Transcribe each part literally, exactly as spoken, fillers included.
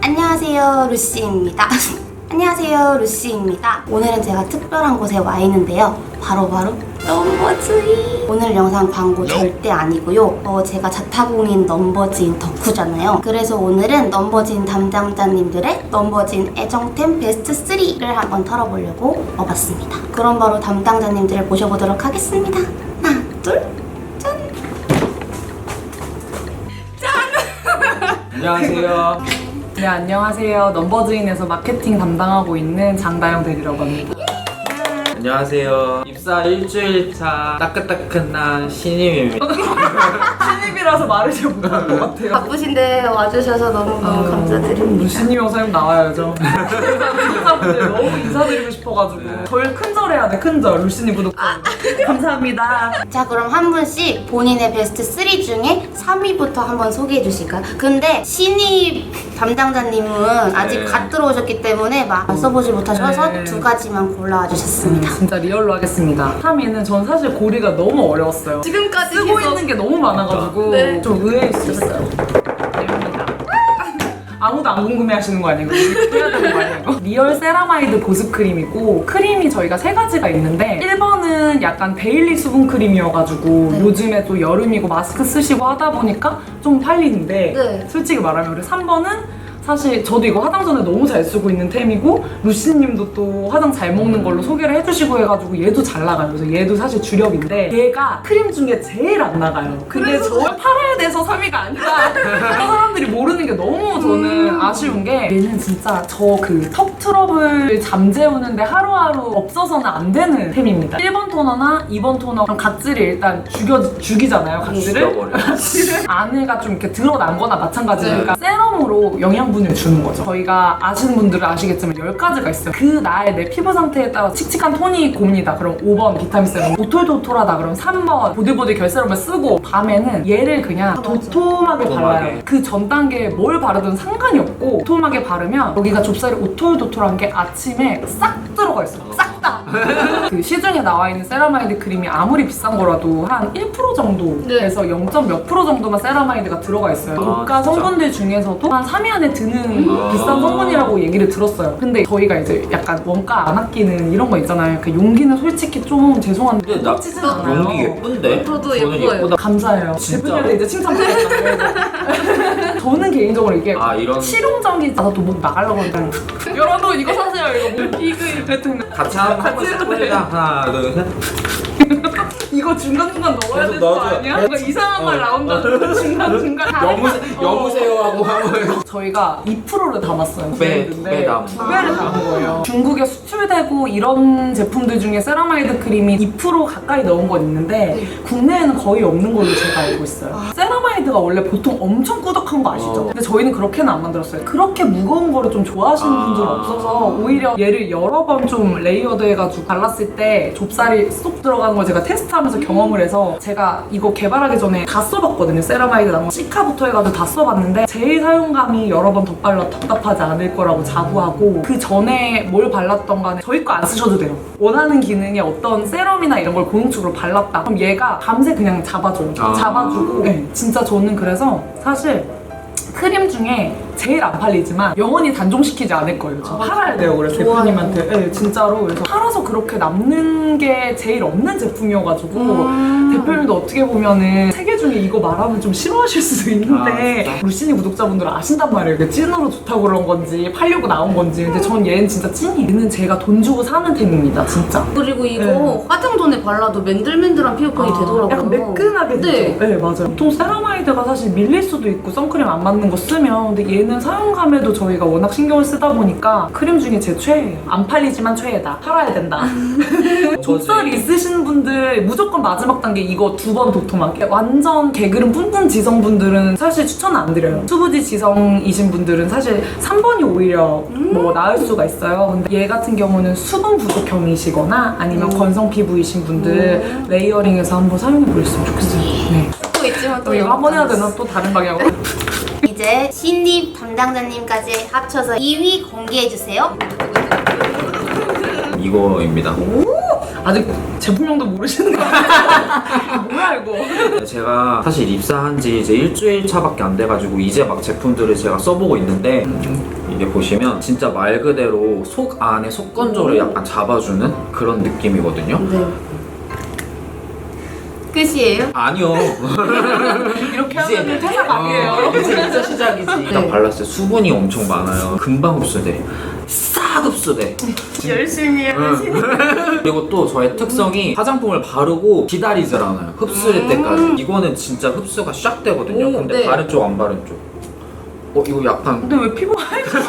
안녕하세요, 루시입니다. 안녕하세요, 루시입니다. 오늘은 제가 특별한 곳에 와 있는데요. 바로바로 넘버즈인. 오늘 영상 광고 절대 아니고요. 어, 제가 자타공인 넘버즈인 덕후잖아요. 그래서 오늘은 넘버즈인 담당자님들의 넘버즈인 애정템 베스트 쓰리를 한번 털어보려고 와봤습니다. 그럼 바로 담당자님들을 모셔보도록 하겠습니다. 하나, 둘, 짠! 안녕하세요. 네, 안녕하세요. 넘버즈인에서 마케팅 담당하고 있는 장다영 대리라고 합니다. 안녕하세요. 입사 일주일 차 따끈따끈한 신임입니다. 신입이라서 말을 잘 못할 것 같아요. 바쁘신데 와주셔서 너무너무 감사드립니다. 루시님 영상님 나와야죠. 구독자분들 너무 인사드리고 싶어가지고 저희 큰절 해야 돼, 큰절. 루시님 구독자. 감사합니다. 자, 그럼 한 분씩 본인의 베스트 쓰리 중에 삼 위부터 한번 소개해 주실까요? 근데 신입 담당자님은 아직 네. 갓 들어오셨기 때문에 막 써보지 못하셔서 네. 두 가지만 골라와 주셨습니다. 진짜 리얼로 하겠습니다. 삼 위는 전 사실 고리가 너무 어려웠어요. 지금까지 쓰고 계속 있는 게 너무 많아가지고 네. 좀 의외일 수 있어요. 됩니다. 아무도 안 궁금해 하시는 거 아니에요? 해야 되는 거 아니에요? 리얼 세라마이드 보습 크림이고, 크림이 저희가 세 가지가 있는데 일 번은 약간 데일리 수분 크림이어가지고 네. 요즘에 또 여름이고 마스크 쓰시고 하다 보니까 좀 팔리는데 네. 솔직히 말하면 우리 삼 번은 사실 저도 이거 화장 전에 너무 잘 쓰고 있는 템이고, 루시님도 또 화장 잘 먹는 걸로 소개를 해주시고 해가지고 얘도 잘 나가요. 그래서 얘도 사실 주력인데 얘가 크림 중에 제일 안 나가요. 근데 저 팔아야 돼서 삼 위가 아니다. 사람들이 모르는 게 너무 저는 아쉬운 게, 얘는 진짜 저 그 턱 트러블 잠재우는데 하루하루 없어서는 안 되는 템입니다. 일 번 토너나 이 번 토너 그럼 각질이 일단 죽여, 죽이잖아요, 각질을. 죽여버려요. 안에가 좀 이렇게 드러난 거나 마찬가지니까 세럼으로 영양분을 주는 거죠. 저희가 아시는 분들은 아시겠지만 열 가지가 있어요. 그 날 내 피부 상태에 따라 칙칙한 톤이 곱니다. 그럼 오 번 비타민 세럼, 오톨도톨하다 그럼 삼 번 보들보들 결세럼을 쓰고, 밤에는 얘를 그냥 도톰하게 발라요. 그 전 단계에 뭘 바르든 상관이 없고 도톰하게 바르면 여기가 좁쌀이 오톨도톨한 게 아침에 싹 들어가 있어요. 싹 다! 그 시중에 나와 있는 세라마이드 크림이 아무리 비싼 거라도 한 일 퍼센트 정도에서 네. 영 점 몇 프로 정도만 세라마이드가 들어가 있어요. 아, 고가 진짜? 성분들 중에서도 한 삼 위 안에 드는 아. 비싼 성분이라고 얘기를 들었어요. 근데 저희가 이제 약간 원가 안 아끼는 이런 거 있잖아요. 그 용기는 솔직히 좀 죄송한데 근데 나 꽂히진 않아요. 용기 예쁜데? 저도 저는 예뻐요. 예쁘다. 감사해요. 진짜? 대표님한테 이제 칭찬받았잖아요. 저는 개인적으로 이게 아, 이런 실용적인, 나도 목 나가려고 하니까 여러분 이거 사세요. 이거 뭐 이거 하여튼 같이 한번 같이 해보자. 해도 돼. 하나, 둘, 셋. 이거 중간중간 넣어야 계속 되는 거 넣어줘. 아니야? 뭔가 이상한 말 어. 나온다. 중간중간 여무세, 어. 여무세요 하고 하면 저희가 이 퍼센트를 담았어요. 두 배, 브랜드인데 두 배 담은 두 배를 담은 거예요. 중국에 수출되고 이런 제품들 중에 세라마이드 크림이 이 퍼센트 가까이 넣은 건 있는데 국내에는 거의 없는 걸로 제가 알고 있어요. 세라마이드가 원래 보통 엄청 꾸덕한 거 아시죠? 어. 근데 저희는 그렇게는 안 만들었어요. 그렇게 무거운 거를 좀 좋아하시는 아. 분들은 없어서 오히려 얘를 여러 번 좀 레이어드 해가지고 발랐을 때 좁쌀이 쏙 들어가는 걸 제가 테스트하면서 경험을 해서, 제가 이거 개발하기 전에 다 써봤거든요. 세라마이드 나온 시카부터 해가지고 다 써봤는데 제일 사용감이 여러 번 덧발라 답답하지 않을 거라고 자부하고, 그 전에 뭘 발랐던 간에 저희 거 안 쓰셔도 돼요. 원하는 기능에 어떤 세럼이나 이런 걸 고용축으로 발랐다 그럼 얘가 밤새 그냥 잡아줘요. 아. 잡아주고 네, 진짜 저는 그래서 사실 크림 중에 제일 안 팔리지만 영원히 단종시키지 않을 거예요. 저 팔아야 돼요. 그래서 좋아요. 대표님한테. 네, 진짜로. 그래서 팔아서 그렇게 남는 게 제일 없는 제품이어가지고 음. 대표님도 어떻게 보면은 세 개 중에 이거 말하면 좀 싫어하실 수도 있는데 아, 진짜? 루시니 구독자분들은 아신단 말이에요. 이게 찐으로 좋다고 그런 건지 팔려고 나온 건지. 근데 전 얘는 진짜 찐이에요. 얘는 제가 돈 주고 사는 템입니다. 진짜. 그리고 이거 네. 화장 전에 발라도 맨들맨들한 피부톤이 되더라고요. 약간 매끈하게 되죠? 네. 네, 맞아요. 보통 세라마이드가 사실 밀릴 수도 있고 선크림 안 맞는 거 쓰면, 근데 얘는 사용감에도 저희가 워낙 신경을 쓰다 보니까 크림 중에 제 최애예요. 안 팔리지만 최애다. 팔아야 된다. 좁쌀 있으신 분들 무조건 마지막 단계 이거 두 번 도톰하게. 완전 게으른 뿜뿜 지성분들은 사실 추천 안 드려요. 수부지 지성이신 분들은 사실 삼 번이 오히려 뭐 나을 수가 있어요. 근데 얘 같은 경우는 수분 부족형이시거나 아니면 음. 건성 피부이신 분들 레이어링해서 한번 사용해 보셨으면 좋겠어요. 네. 또 있지만 또 또 이거 한번 해야 되나? 또 다른 방향으로? 이제 신입 담당자님까지 합쳐서 이 위 공개해주세요. 이거입니다. 아직 제품명도 모르시는 거 같아요. 뭐야 이거? 제가 사실 입사한 지 이제 일주일 차밖에 안 돼가지고 이제 막 제품들을 제가 써보고 있는데 이게 보시면 진짜 말 그대로 속 안에 속건조를 약간 잡아주는 그런 느낌이거든요. 네. 끝이에요? 아니요. 이렇게 이제- 하면 퇴사 각이에요. 어, 이제 진짜 시작이지. 딱 발랐을 때 수분이 엄청 많아요. 금방 흡수돼. 싹 흡수돼. 열심히 해보시네. 그리고 또 저의 특성이 화장품을 바르고 기다리질 않아요. 흡수될 때까지. 이거는 진짜 흡수가 샥 되거든요. 오, 근데 네. 바른 쪽 안 바른 쪽. 어 이거 약간 근데 왜 피부가 하얘졌어?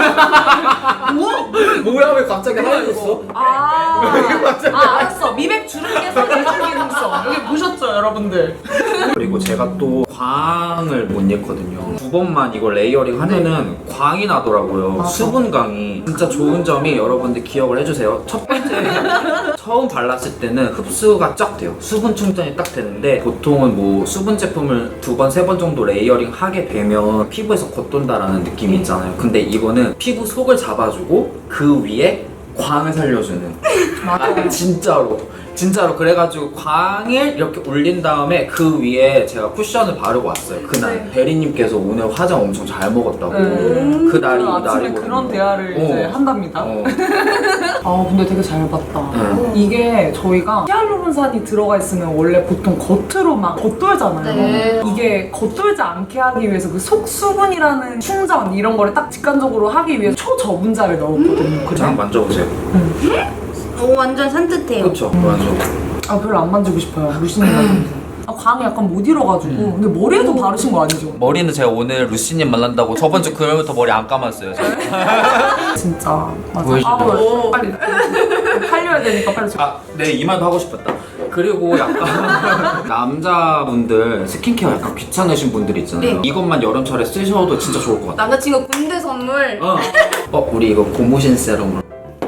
뭐야 왜 갑자기 하얘졌어? 아, 아 알았어. 미백 주름개선 대중 기능성. 여기 보셨죠 여러분들? 그리고 제가 또 광을 못 잃거든요. 두 번만 이걸 레이어링 하면은 광이 나더라고요. 맞아. 수분광이. 진짜 좋은 점이 여러분들 기억을 해주세요. 첫 번째, 처음 발랐을 때는 흡수가 쫙 돼요. 수분 충전이 딱 되는데 보통은 뭐 수분 제품을 두 번, 세 번 정도 레이어링 하게 되면 피부에서 겉돈다라는 느낌이 있잖아요. 근데 이거는 피부 속을 잡아주고 그 위에 광을 살려주는. 맞아. 아, 진짜로. 진짜로 그래가지고 광을 이렇게 올린 다음에 그 위에 제가 쿠션을 바르고 왔어요. 그날 네. 대리님께서 오늘 화장 엄청 잘 먹었다고. 음. 그 날이 이 아침에 날이거든요. 그런 대화를 이제 어. 한답니다. 어. 아 근데 되게 잘 봤다. 응. 이게 저희가 히알루론산이 들어가 있으면 원래 보통 겉으로 막 겉돌잖아요. 네. 이게 겉돌지 않게 하기 위해서 그 속수분이라는 충전 이런 거를 딱 직관적으로 하기 위해서 초저분자를 넣었거든요. 그죠? 그냥 만져보세요. 오, 완전 산뜻해요. 그렇죠. 완전. 아 별로 안 만지고 싶어요. 루시님. 아, 광이 약간 못 잃어가지고. 근데 머리에도 바르신 거 아니죠? 머리는 제가 오늘 루시님 만난다고 저번 주 금요일부터 머리 안 감았어요. 제가. 진짜. 맞아. 보여주세요. 아, 뭐, 빨리. 팔려야 되니까 빨리. 좀- 아, 네, 이 말도 하고 싶었다. 그리고 약간 남자분들 스킨케어 약간 귀찮으신 분들 있잖아요. 네. 이것만 여름철에 쓰셔도 진짜 좋을 것 같아요. 남자친구 군대 선물. 어. 어, 우리 이거 고무신 세럼으로.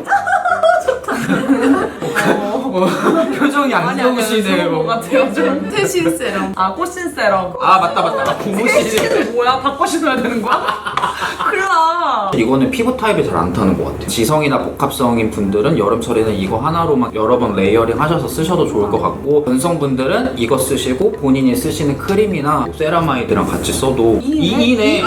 어, 표정이 안 좋으시네요. 뭐 같아요. 좀. 퇴신 세럼. 아, 꽃신 세럼. 아 맞다 맞다. 고무신. 뭐야? 바꿔 신어야 되는 거야? 큰일 나. 이거는 피부 타입이 잘 안 타는 것 같아요. 지성이나 복합성인 분들은 여름철에는 이거 하나로만 여러 번 레이어링 하셔서 쓰셔도 좋을 것 같고 건성분들은 이거 쓰시고 본인이 쓰시는 크림이나 세라마이드랑 같이 써도 이이네.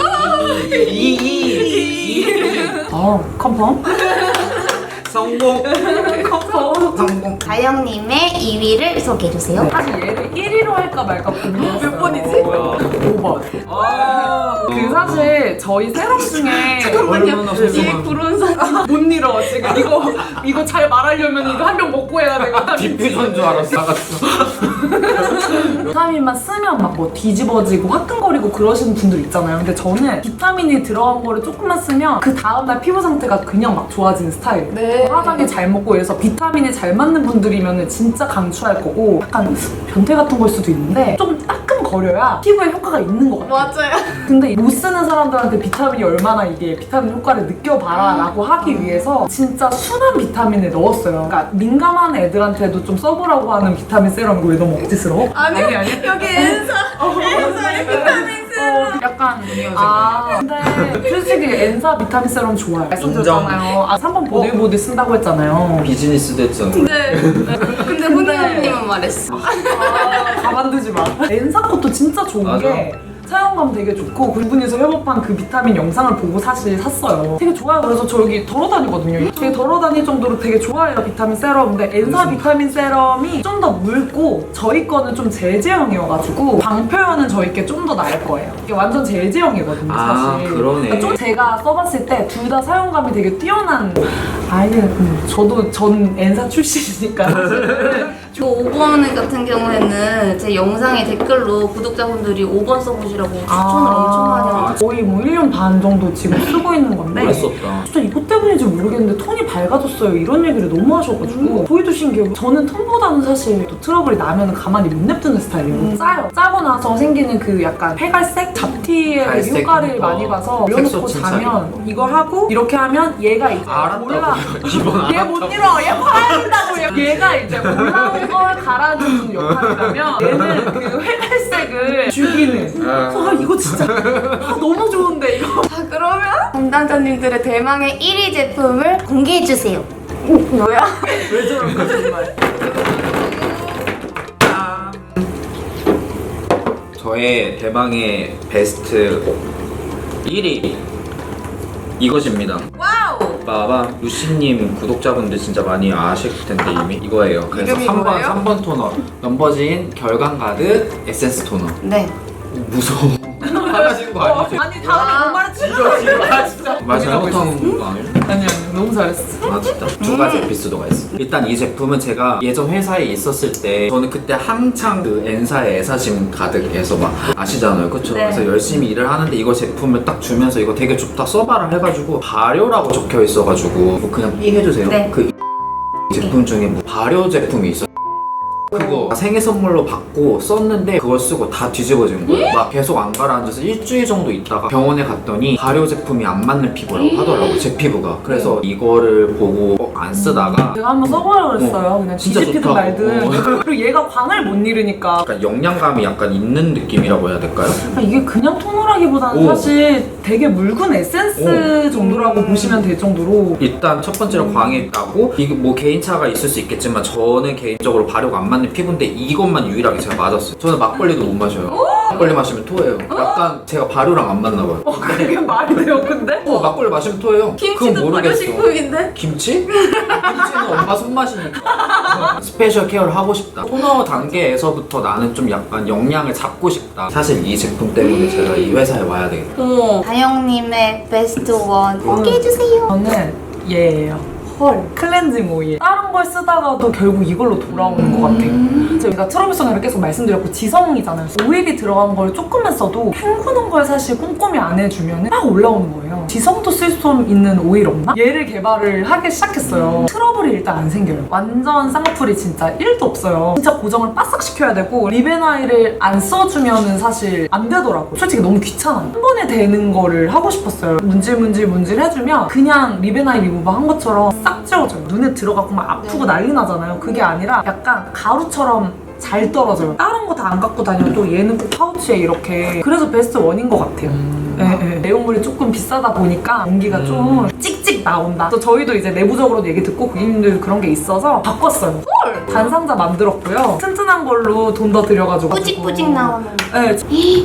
이이. 아, 컨펌? 성공. 컨펌. 성공. 다영님의 이 위를 소개해주세요. 사실 얘를 일 위로 할까 말까 고민했어요. 몇 번이지? 뭐야? 오 번. 아. 그 사실 저희 세럼 중에 얼마나 소중한. 구른 사진. 못 잃어 지금 이거 이거 잘 말하려면 이거 한 병 먹고 해야 되거든. 디퓨전 줄 알았어. 나갔어. 비타민만 쓰면 막 뭐 뒤집어지고 화끈거리고 그러시는 분들 있잖아요. 근데 저는 비타민이 들어간 거를 조금만 쓰면 그 다음날 피부 상태가 그냥 막 좋아지는 스타일. 네. 화장이 잘 먹고 이래서 비타민이 잘 맞는 분들이면 진짜 강추할 거고 약간 변태 같은 걸 수도 있는데 좀 따끔거려야 피부에 효과가 있는 것 같아요. 맞아요. 근데 못 쓰는 사람들한테 비타민이 얼마나 이게 비타민 효과를 느껴봐라 라고 하기 위해서 진짜 순한 비타민을 넣었어요. 그러니까 민감한 애들한테도 좀 써보라고 하는 비타민 세럼이고 왜 너무 억지스러워? 아니요. 아니 아니 여기 엔사. 엔사의 비타민 세럼. 어, 약간 아 근데 솔직히 엔사 비타민 세럼 좋아요. 말씀드렸잖아요. 아 삼 번 보들보들 쓴다고 했잖아요. 비즈니스 됐잖아. 네. 근데 훈이 언니만 말했어. 아, 가만두지 마. 엔사 것도 진짜 좋은 맞아. 게 사용감 되게 좋고 그분이서 협업한 그 비타민 영상을 보고 사실 샀어요. 되게 좋아요. 그래서 저 여기 덜어다니거든요. 되게 덜어다닐 정도로 되게 좋아해요 비타민 세럼. 근데 엔사 비타민 세럼이 좀 더 묽고 저희 거는 좀 젤 제형이어가지고 방 표현은 저희 게 좀 더 나을 거예요. 이게 완전 젤 제형이거든요 아, 사실. 그러네. 그러니까 좀 제가 써봤을 때 둘 다 사용감이 되게 뛰어난 아이는 음, 저도 전 엔사 출신이니까 사실은 저 오 번 같은 경우에는 제 영상에 댓글로 구독자분들이 오 번 써보시라고 추천을 엄청 많이 하고 거의 뭐 일 년 반 정도 지금 쓰고 있는 건데 오래 썼다. 진짜 이것 때문인지 모르겠는데 톤이 밝아졌어요 이런 얘기를 너무 하셔가지고 저희도 신기해요. 저는 톤보다는 사실 또 트러블이 나면 가만히 못 냅두는 스타일이에요. 음. 짜요. 짜고 나서 생기는 그 약간 폐갈색 잡티의 갈색? 효과를 어. 많이 봐서 색소 올려놓고 침착이. 자면 이거 하고 이렇게 하면 얘가 이제 알았다고. 올라 이번 얘 못 잃어 얘 화낸다고 얘. 얘가 이제 올라온 걸 가라앉는 역할이라면 얘는 그 회갈색을 죽이는 아 이거 진짜 아, 너무 좋은데 이거 자 그러면 담당자님들의 대망의 일 위 제품을 공개해주세요. 뭐야? 왜 저럴까 정말 저의 대망의 베스트 일 위 이것입니다. 와우! 빠밤. 루시님 구독자분들 진짜 많이 아실 텐데 이미 이거예요. 그래서 이름이 삼 번 뭐예요? 삼 번 토너 넘버진 결감 가득 에센스 토너. 네. 무서워. 화나신 거 아니지? 아니 다음에 못 말했지? 이거 지금 아 진짜 말 잘못한 거 아니야? 아니 아니 너무 잘했어. 아 진짜 두 가지 에피소드가 있어. 일단 이 제품은 제가 예전 회사에 있었을 때 저는 그때 한창 그 N사의 애사심 가득해서 막 아시잖아요, 그쵸? 네. 그래서 열심히 일을 하는데 이거 제품을 딱 주면서 이거 되게 좋다 써봐라 해가지고 발효라고 적혀 있어가지고 뭐 그냥 삐 해주세요. 네. 그 제품 중에 뭐 발효 제품이 있어. 그거 생일 선물로 받고 썼는데 그걸 쓰고 다 뒤집어진 거예요. 막 계속 안 가라앉아서 일주일 정도 있다가 병원에 갔더니 발효 제품이 안 맞는 피부라고 하더라고요, 제 피부가. 그래서 이거를 보고 어, 안 쓰다가 제가 한번 써보려고 그랬어요. 어, 그냥 진짜 뒤집히든 좋다고. 말든. 어. 그리고 얘가 광을 못 잃으니까 약간 영양감이 약간 있는 느낌이라고 해야 될까요? 그러니까 이게 그냥 토너라기보다는 오. 사실 되게 묽은 에센스 정도라고 보시면 될 정도로. 일단 첫 번째로 광이 있다고 이게 뭐 개인차가 있을 수 있겠지만 저는 개인적으로 발효가 안 맞는 피부인데 이것만 유일하게 제가 맞았어요. 저는 막걸리도 못 마셔요. 막걸리 마시면 토해요. 약간 제가 발효랑 안 맞나 봐요. 그게 말이 돼요 근데? 어, 막걸리 마시면 토해요. 김치도 발효식품인데? 김치? 김치는 엄마 손맛이니까. 스페셜 케어를 하고 싶다. 토너 단계에서부터 나는 좀 약간 영양을 잡고 싶다. 사실 이 제품 때문에 제가 이 회사에 와야 되겠다. 어머. 다영님의 베스트 원 공개해주세요. 저는 얘예요. 헐. 클렌징 오일. 다른 걸 쓰다가도 결국 이걸로 돌아오는 것 같아요. 제가 트러블성을 계속 말씀드렸고 지성이잖아요. 오일이 들어간 걸 조금만 써도 헹구는 걸 사실 꼼꼼히 안 해주면 막 올라오는 거예요. 지성도 쓸 수 있는 오일 없나? 얘를 개발을 하기 시작했어요. 트러블이 일단 안 생겨요. 완전 쌍풀이 진짜 일도 없어요. 진짜 고정을 바싹 시켜야 되고 리베나이를 안 써주면은 사실 안 되더라고요. 솔직히 너무 귀찮아요. 한 번에 되는 거를 하고 싶었어요. 문질문질 문질 해주면 그냥 리베나이 리무버 한 것처럼 싹 지워져요. 눈에 들어가고 막 아프고 난리 나잖아요. 그게 아니라 약간 가루처럼 잘 떨어져요. 다른 거 다 안 갖고 다녀도 얘는 꼭 파우치에 이렇게. 그래서 베스트 원인 것 같아요. 예, 예. 내용물이 조금 비싸다 보니까 연기가 음. 좀 찍찍 나온다. 그래서 저희도 이제 내부적으로도 얘기 듣고 고객님들 그런 게 있어서 바꿨어요. 단상자 만들었고요. 튼튼한 걸로 돈 더 들여가지고. 뿌직뿌직 나오는. 네,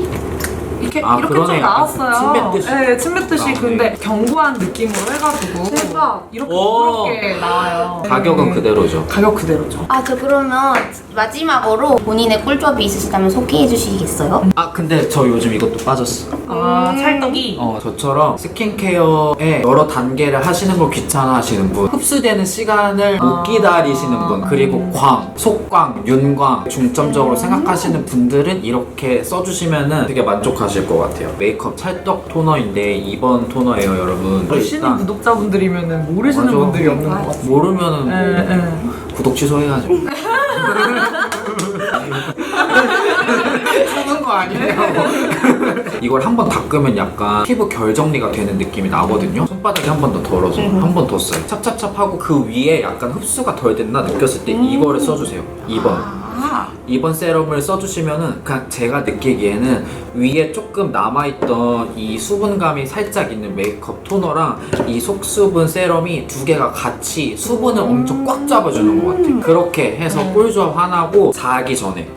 이렇게 아, 이렇게 그러네. 좀 나왔어요. 침 뱉듯이. 네, 침 뱉듯이. 나오네. 근데 견고한 느낌으로 해가지고 대박. 이렇게 오. 부드럽게 나와요. 가격은 네. 그대로죠. 가격 그대로죠. 아, 저 그러면 마지막으로 본인의 꿀조합이 있으시다면 소개해 주시겠어요? 아 근데 저 요즘 이것도 빠졌어. 아, 찰떡이. 어 저처럼 스킨케어에 여러 단계를 하시는 걸 귀찮아하시는 분, 흡수되는 시간을 못 아. 기다리시는 분, 그리고 광, 속광, 윤광 중점적으로 생각하시는 분들은 이렇게 써주시면은 되게 만족하실 것 같아요. 메이크업 찰떡 토너인데 이 번 토너예요, 여러분. 보시는 구독자분들이면 모르시는 맞아. 분들이 없는 것 같아요. 모르면은 뭐 예, 예. 구독 취소해야죠. 쓰는 거 아니에요? 이걸 한 번 닦으면 약간 피부 결 정리가 되는 느낌이 나거든요. 손바닥이 한 번 더 덜어져. 한 번 더 써요. 찹찹찹하고 그 위에 약간 흡수가 덜 됐나 느꼈을 때 이거를 써주세요. 이 번. 아, 이 번 세럼을 써주시면은 그냥 제가 느끼기에는 위에 조금 남아있던 이 수분감이 살짝 있는 메이크업 토너랑 이 속수분 세럼이 두 개가 같이 수분을 엄청 꽉 잡아주는 것 같아요. 그렇게 해서 꿀조합 하나고 자기 전에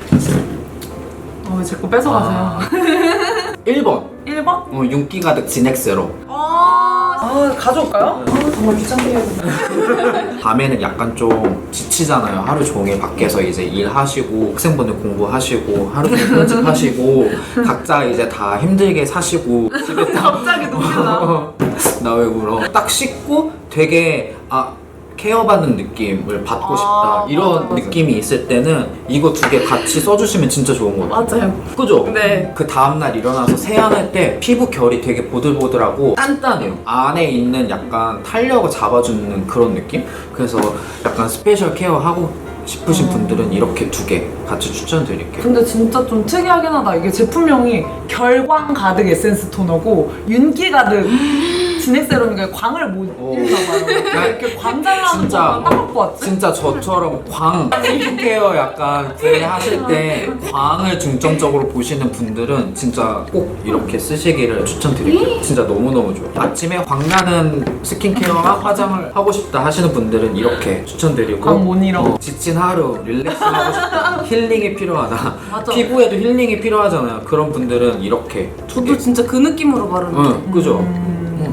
어, 왜 자꾸 뺏어가세요? 일 번 일 번? 어, 윤기 가득 진액 세럼. 아, 가져올까요? 아, 정말 귀찮게 해야 된다. 밤에는 약간 좀 지치잖아요. 하루 종일 밖에서 이제 일하시고 학생분들 공부하시고 하루 종일 편집하시고 각자 이제 다 힘들게 사시고 집에 딱 갑자기 녹여나. 나 왜 울어? 딱 씻고 되게 아 케어받는 느낌을 받고 싶다 아, 이런 맞아, 맞아. 느낌이 있을 때는 이거 두 개 같이 써주시면 진짜 좋은 거 같아요. 맞아요. 그죠? 네. 그 다음날 일어나서 세안할 때 피부 결이 되게 보들보들하고 단단해요. 안에 있는 약간 탄력을 잡아주는 그런 느낌? 그래서 약간 스페셜 케어하고 싶으신 분들은 이렇게 두 개 같이 추천드릴게요. 근데 진짜 좀 특이하긴 하다. 이게 제품명이 결광 가득 에센스 토너고 윤기 가득 진액 세럼이니까 광을 못 오. 잃나 봐요. 이렇게 광 잘 나는 진짜. 거만 딱 갖고 왔지? 진짜 저처럼 광 스킨케어 약간 플레이 하실 때 광을 중점적으로 보시는 분들은 진짜 꼭 이렇게 쓰시기를 추천드릴게요. 진짜 너무너무 좋아요. 아침에 광나는 스킨케어와 화장을 하고 싶다 하시는 분들은 이렇게 추천드리고 광 못 잃어. 어, 지친 하루 릴렉스 하고 싶다 힐링이 필요하다 맞아. 피부에도 힐링이 필요하잖아요. 그런 분들은 이렇게 저도 진짜 그 느낌으로 바르는데. 응 그죠? 음.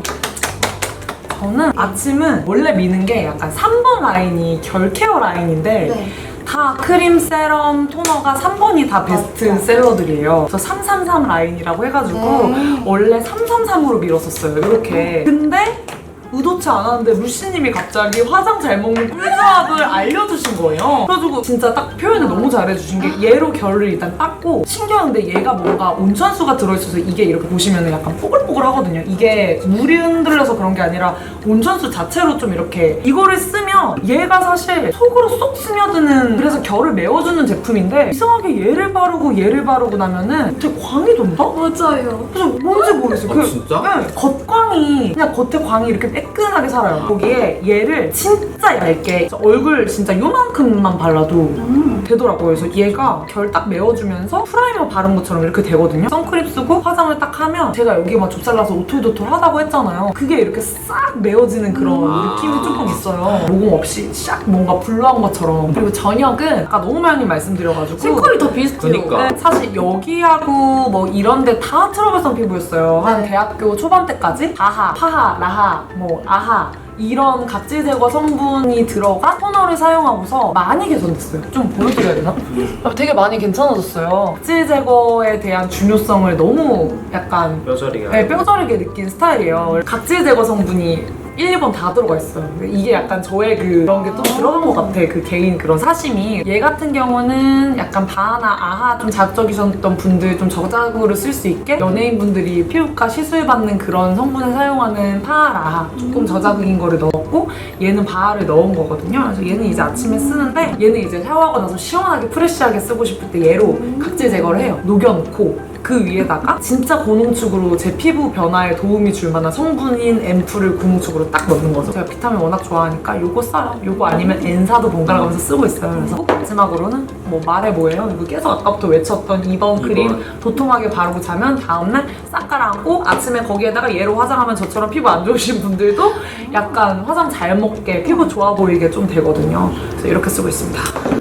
저는 아침은 원래 미는 게 약간 삼 번 라인이 결 케어 라인인데 네. 다 크림, 세럼, 토너가 삼 번이 다 베스트셀러들이에요. 그래서 삼삼삼 라인이라고 해가지고 네. 원래 삼삼삼으로 밀었었어요. 이렇게. 근데 의도치 않았는데 루시님이 갑자기 화장 잘 먹는 꿀조합을 알려주신 거예요. 그래가지고 진짜 딱 표현을 너무 잘해주신 게 얘로 결을 일단 닦고 신기한데 얘가 뭔가 온천수가 들어있어서 이게 이렇게 보시면 약간 뽀글뽀글 하거든요. 이게 물이 흔들려서 그런 게 아니라 온천수 자체로 좀 이렇게 이거를 쓰면 얘가 사실 속으로 쏙 스며드는 그래서 결을 메워주는 제품인데 이상하게 얘를 바르고 얘를 바르고 나면은 되게 광이 돈다? 맞아요. 그래서 뭔지 모르겠어요. 아, 그, 진짜? 네, 겉광이 그냥 겉에 광이 이렇게 매끈하게 살아요. 거기에 얘를 진짜 얇게 얼굴 진짜 요만큼만 발라도 음. 되더라고요. 그래서 얘가 결 딱 메워주면서 프라이머 바른 것처럼 이렇게 되거든요. 선크림 쓰고 화장을 딱 하면 제가 여기 막 좁쌀나서 오돌도돌 하다고 했잖아요. 그게 이렇게 싹 메워지는 그런 아. 느낌이 조금 있어요. 모공 없이 싹 뭔가 블러한 것처럼. 그리고 저녁은 아까 너무 많이 말씀드려가지고 색깔이 다 비슷해요. 그니까. 네, 사실 여기하고 뭐 이런데 다 트러블성 피부였어요. 한 네. 대학교 초반 때까지 아하, 파하, 라하, 뭐 아하 이런 각질 제거 성분이 들어간 토너를 사용하고서 많이 개선됐어요. 좀 보여드려야 되나? 아, 되게 많이 괜찮아졌어요. 각질 제거에 대한 중요성을 너무 약간 뼈저리가 네, 뼈저리게 느낀 스타일이에요. 각질 제거 성분이 일, 이 번 다 들어가 있어요. 이게 약간 저의 그 그런 게 또 들어간 것 같아. 그 개인 그런 사심이. 얘 같은 경우는 약간 바하나 아하 좀 자극적이셨던 분들 좀 저자극으로 쓸 수 있게 연예인분들이 피부과 시술 받는 그런 성분을 사용하는 파하라 조금 저자극인 거를 넣었고 얘는 바하를 넣은 거거든요. 그래서 얘는 이제 아침에 쓰는데 얘는 이제 샤워하고 나서 시원하게 프레쉬하게 쓰고 싶을 때 얘로 각질 제거를 해요. 녹여놓고 그 위에다가 진짜 고농축으로 제 피부 변화에 도움이 줄 만한 성분인 앰플을 고농축으로 딱 넣는 거죠. 제가 비타민 워낙 좋아하니까 요거 써요. 요거 아니면 엔사도 번갈아 가면서 쓰고 있어요. 그래서 꼭 마지막으로는 뭐 말해 뭐예요? 이거 계속 아까부터 외쳤던 이 번 크림 도톰하게 바르고 자면 다음날 싹 가라앉고 아침에 거기에다가 얘로 화장하면 저처럼 피부 안 좋으신 분들도 약간 화장 잘 먹게 피부 좋아 보이게 좀 되거든요. 그래서 이렇게 쓰고 있습니다.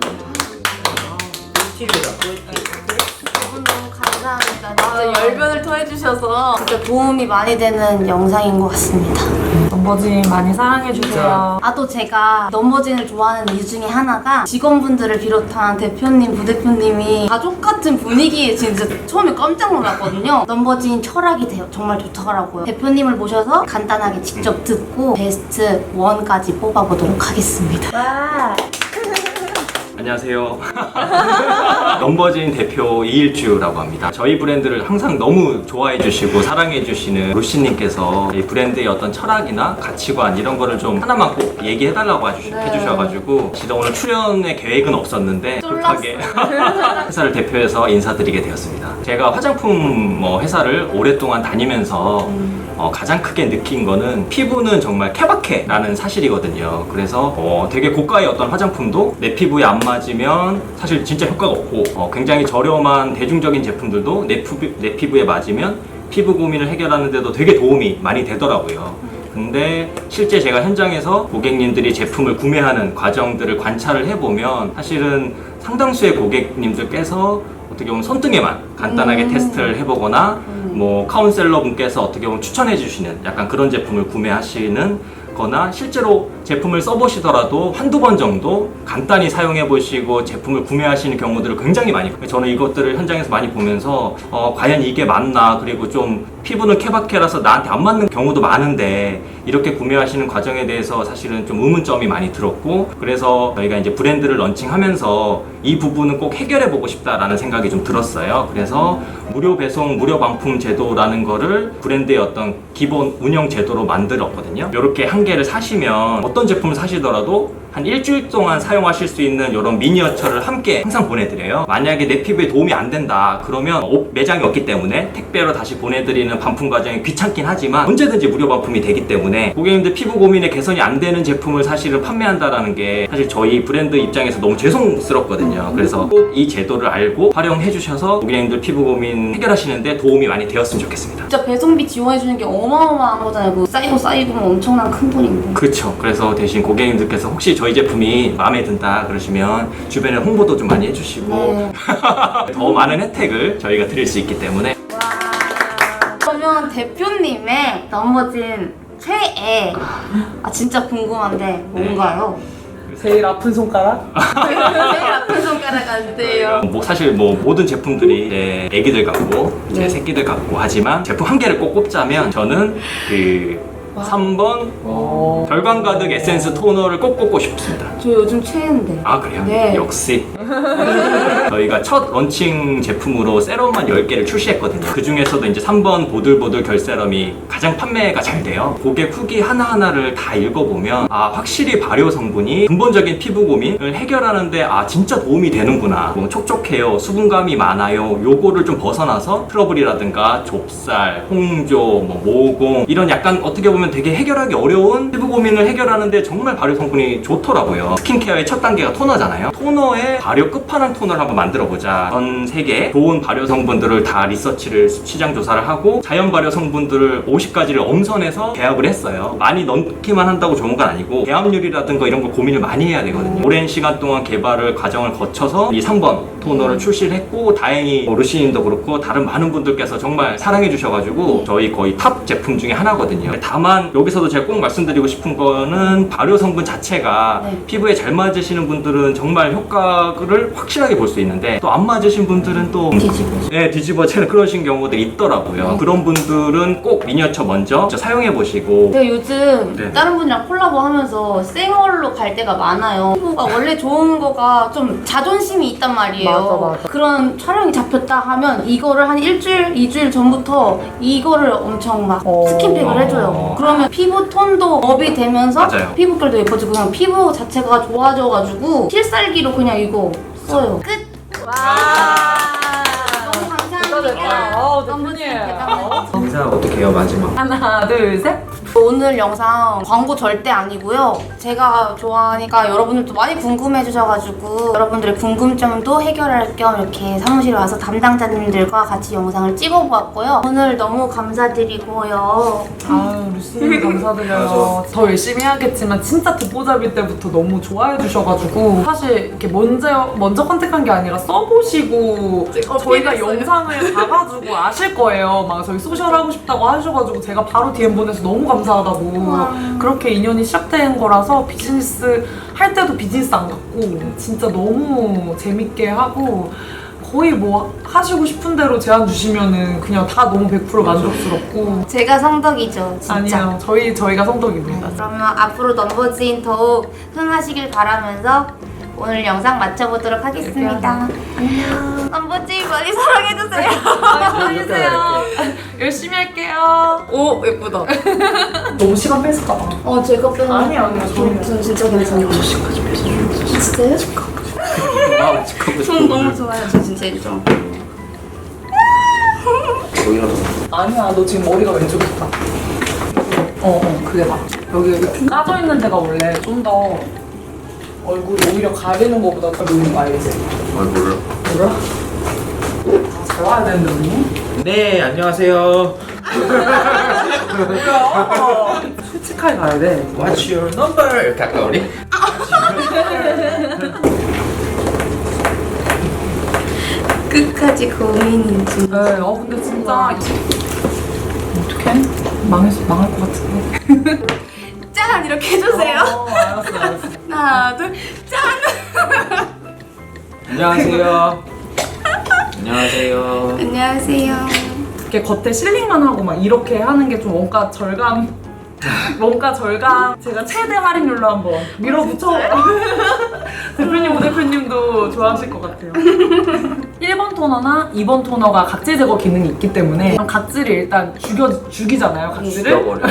너무 감사합니다. 진짜 진짜 열변을 토해주셔서. 진짜 도움이 많이 되는 영상인 것 같습니다. 넘버진 많이 사랑해주세요. 아, 또 제가 넘버진을 좋아하는 이유 중에 하나가 직원분들을 비롯한 대표님, 부대표님이 가족 같은 분위기에 진짜 처음에 깜짝 놀랐거든요. 넘버진 철학이 돼요. 정말 좋더라고요. 대표님을 모셔서 간단하게 직접 듣고 베스트 원까지 뽑아보도록 하겠습니다. 와. 안녕하세요. 넘버진 대표 이일주라고 합니다. 저희 브랜드를 항상 너무 좋아해 주시고 사랑해 주시는 루시님께서 이 브랜드의 어떤 철학이나 가치관 이런 거를 좀 하나만 꼭 얘기해 달라고 해주셔가지고 진짜 오늘 출연의 계획은 없었는데 급하게 회사를 대표해서 인사드리게 되었습니다. 제가 화장품 뭐 회사를 오랫동안 다니면서 어, 가장 크게 느낀 거는 피부는 정말 케바케라는 사실이거든요. 그래서 어, 되게 고가의 어떤 화장품도 내 피부에 안 맞으면 사실 진짜 효과가 없고 어, 굉장히 저렴한 대중적인 제품들도 내, 피부, 내 피부에 맞으면 피부 고민을 해결하는 데도 되게 도움이 많이 되더라고요. 근데 실제 제가 현장에서 고객님들이 제품을 구매하는 과정들을 관찰을 해보면 사실은 상당수의 고객님들께서 어떻게 보면 손등에만 간단하게 음. 테스트를 해보거나 뭐 카운셀러 분께서 어떻게 보면 추천해 주시는 약간 그런 제품을 구매하시는 거나 실제로 제품을 써보시더라도 한두 번 정도 간단히 사용해 보시고 제품을 구매하시는 경우들을 굉장히 많이 저는 이것들을 현장에서 많이 보면서 어, 과연 이게 맞나 그리고 좀 피부는 케바케라서 나한테 안 맞는 경우도 많은데 이렇게 구매하시는 과정에 대해서 사실은 좀 의문점이 많이 들었고 그래서 저희가 이제 브랜드를 런칭하면서 이 부분은 꼭 해결해 보고 싶다라는 생각이 좀 들었어요. 그래서 무료 배송, 무료 반품 제도라는 거를 브랜드의 어떤 기본 운영 제도로 만들었거든요. 이렇게 한 개를 사시면 어떤 제품을 사시더라도 한 일주일 동안 사용하실 수 있는 이런 미니어처를 함께 항상 보내드려요. 만약에 내 피부에 도움이 안 된다 그러면 오- 매장이 없기 때문에 택배로 다시 보내드리는 반품 과정이 귀찮긴 하지만 언제든지 무료 반품이 되기 때문에 고객님들 피부 고민에 개선이 안 되는 제품을 사실은 판매한다라는 게 사실 저희 브랜드 입장에서 너무 죄송스럽거든요. 그래서 꼭 이 제도를 알고 활용해 주셔서 고객님들 피부 고민 해결하시는데 도움이 많이 되었으면 좋겠습니다. 진짜 배송비 지원해주는 게 어마어마한 거잖아요. 그 쌓이고 쌓이고 엄청난 큰 돈인데. 그렇죠. 그래서 대신 고객님들께서 혹시 저희 제품이 마음에 든다 그러시면 주변에 홍보도 좀 많이 해주시고 네. 더 많은 혜택을 저희가 드릴 수 있기 때문에 와. 그러면 대표님의 넘어진 최애. 아 진짜 궁금한데 뭔가요? 제일 아픈 손가락? 제일 아픈 손가락 안 돼요. 뭐 사실 뭐 모든 제품들이 제 애기들 같고 제 네. 새끼들 같고 하지만 제품 한 개를 꼭 꼽자면 저는 그 삼 번 어. 결광 가득 에센스 토너를 꼭 꼽고 싶습니다. 저 요즘 최애인데. 아 그래요? 네. 역시 저희가 첫 런칭 제품으로 세럼만 열 개를 출시했거든요. 그 중에서도 이제 삼 번 보들보들 결세럼이 가장 판매가 잘 돼요. 고객 후기 하나하나를 다 읽어보면 아 확실히 발효 성분이 근본적인 피부 고민을 해결하는데 아 진짜 도움이 되는구나. 뭐 촉촉해요, 수분감이 많아요, 요거를 좀 벗어나서 트러블이라든가 좁쌀, 홍조, 뭐 모공 이런 약간 어떻게 보면 되게 해결하기 어려운 피부 고민을 해결하는데 정말 발효 성분이 좋더라고요. 스킨케어의 첫 단계가 토너잖아요. 토너의 발효 끝판왕 토너를 한번 만들어보자. 전 세계 좋은 발효 성분들을 다 리서치를 시장 조사를 하고 자연 발효 성분들을 오십 가지를 엄선해서 계약을 했어요. 많이 넣기만 한다고 좋은 건 아니고 계함률이라든가 이런 거 고민을 많이 해야 되거든요. 오랜 시간 동안 개발을 과정을 거쳐서 이 삼 번 토너를 출시를 했고 다행히 뭐 루시님도 그렇고 다른 많은 분들께서 정말 사랑해 주셔가지고 저희 거의 탑 제품 중에 하나거든요. 다만 여기서도 제가 꼭 말씀드리고 싶은 거는 발효 성분 자체가 네. 피부에 잘 맞으시는 분들은 정말 효과를 확실하게 볼 수 있는데 또 안 맞으신 분들은 또 뒤집어. 네, 뒤집어지는 그러신 경우들이 있더라고요. 네. 그런 분들은 꼭 미니어처 먼저 사용해 보시고 제가 요즘 네. 다른 분이랑 콜라보 하면서 생얼로 갈 때가 많아요. 피부가 원래 좋은 거가 좀 자존심이 있단 말이에요. 맞아, 맞아. 그런 촬영이 잡혔다 하면 이거를 한 일주일, 이주일 전부터 이거를 엄청 막 어. 스킨팩을 해줘요. 그러면 피부 톤도 업이 되면서 맞아요. 피부결도 예뻐지고 그냥 피부 자체가 좋아져가지고 필살기로 그냥 이거 써요. 끝! 와! 너무 감사합니다. 어, 너무 대표님. 대단해요. 인사 어떻게 해요 마지막? 하나, 둘, 셋. 오늘 영상 광고 절대 아니고요. 제가 좋아하니까 여러분들도 많이 궁금해 주셔가지고 여러분들의 궁금점도 해결할 겸 이렇게 사무실에 와서 담당자님들과 같이 영상을 찍어보았고요. 오늘 너무 감사드리고요. 아유, 루시님 감사드려요. 더 열심히 해야겠지만 진짜 듣보잡일 때부터 너무 좋아해 주셔가지고 사실 이렇게 먼저 먼저 컨택한 게 아니라 써보시고 저희가 어필했어요. 영상을 봐가지고 아실 거예요. 막 저희 소셜 하고 싶다고 하셔가지고 제가 바로 디엠 보내서 너무 감사하다고 그렇게 인연이 시작된 거라서 비즈니스 할 때도 비즈니스 안 갖고 진짜 너무 재밌게 하고 거의 뭐 하시고 싶은 대로 제안 주시면은 그냥 다 너무 백 퍼센트 만족스럽고 제가 성덕이죠, 진짜. 아니요 저희 저희가 성덕입니다. 그러면 앞으로 넘버즈인 더욱 흥하시길 바라면서 오늘 영상 마쳐보도록 하겠습니다. 안녕. 넘버즈인 많이 사랑해주세요. 사랑해주세요. 열심히 할게요. 오 예쁘다. 너무 시간 뺏을까 봐. 어, 제가 빼는 아니야, 아니야, 저는 전 진짜 괜찮아요. 진짜요? 아 축하고 전 너무 좋아요. 저 진짜 좀. 아니야 너 지금 머리가 왼쪽에 있다. 어어 그게 맞아. 여기 이렇게 까져 있는 데가 원래 좀 더 얼굴이 오히려 가리는 거보다 더 보이는 거 알지? 아 몰라. 몰라? 아, 잘 와야 되는데 언니? 네 안녕하세요. 뭐야? 솔직하게 가야 돼. What's your number? 이렇게 할까 우리? 끝까지 고민인지. 네, 어 근데 진짜 어떡해? 망했어 망할 것 같은데. 짠! 이렇게 해주세요. 어, 알았어 알았어. 하나, 둘, 짠! 안녕하세요. 안녕하세요. 안녕하세요. 이렇게 겉에 실링만 하고 막 이렇게 하는 게 좀 원가 절감. 원가 절감. 제가 최대 할인율로 한번 밀어붙여. 대표님, 오 대표님도 좋아하실 것 같아요. 일 번 토너나 이 번 토너가 각질 제거 기능이 있기 때문에 각질을 일단 죽여, 죽이잖아요, 각질을. 죽여버려.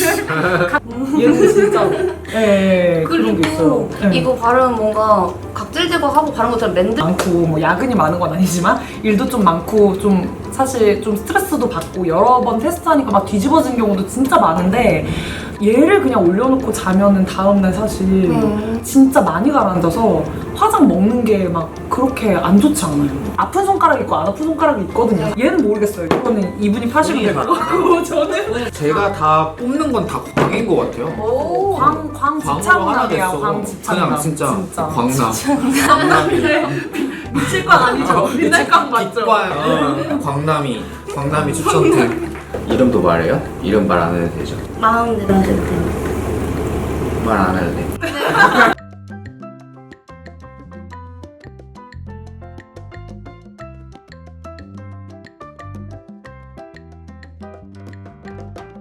얘는 진짜 예, 예, 그런 게 있어요. 그리고 예. 이거 바르면 뭔가 각질 제거하고 바른 것처럼 맨들 많고 뭐 야근이 많은 건 아니지만 일도 좀 많고 좀 사실 좀 스트레스도 받고 여러 번 테스트하니까 막 뒤집어진 경우도 진짜 많은데 얘를 그냥 올려놓고 자면은 다음날 사실 음. 진짜 많이 가라앉아서 화장 먹는 게 막 그렇게 안 좋지 않아요. 아픈 손가락 있고 안 아픈 손가락이 있거든요. 얘는 모르겠어요. 이거는 이분이 파시면 될 것 같고 저는 제가 다 뽑는 건 다 광인 것 같아요. 오. 광, 광 광으로 하나 집착남이야. 됐어. 광 집착남. 그냥 진짜, 진짜. 광남. 광남이. 미칠광 아니죠? 미칠광 맞죠? 어, 광남이. 광남이 추천템. 이름도 말해요? 이름 말 안 해도 되죠? 마음대로 해도 돼요. 말 안 해도 돼.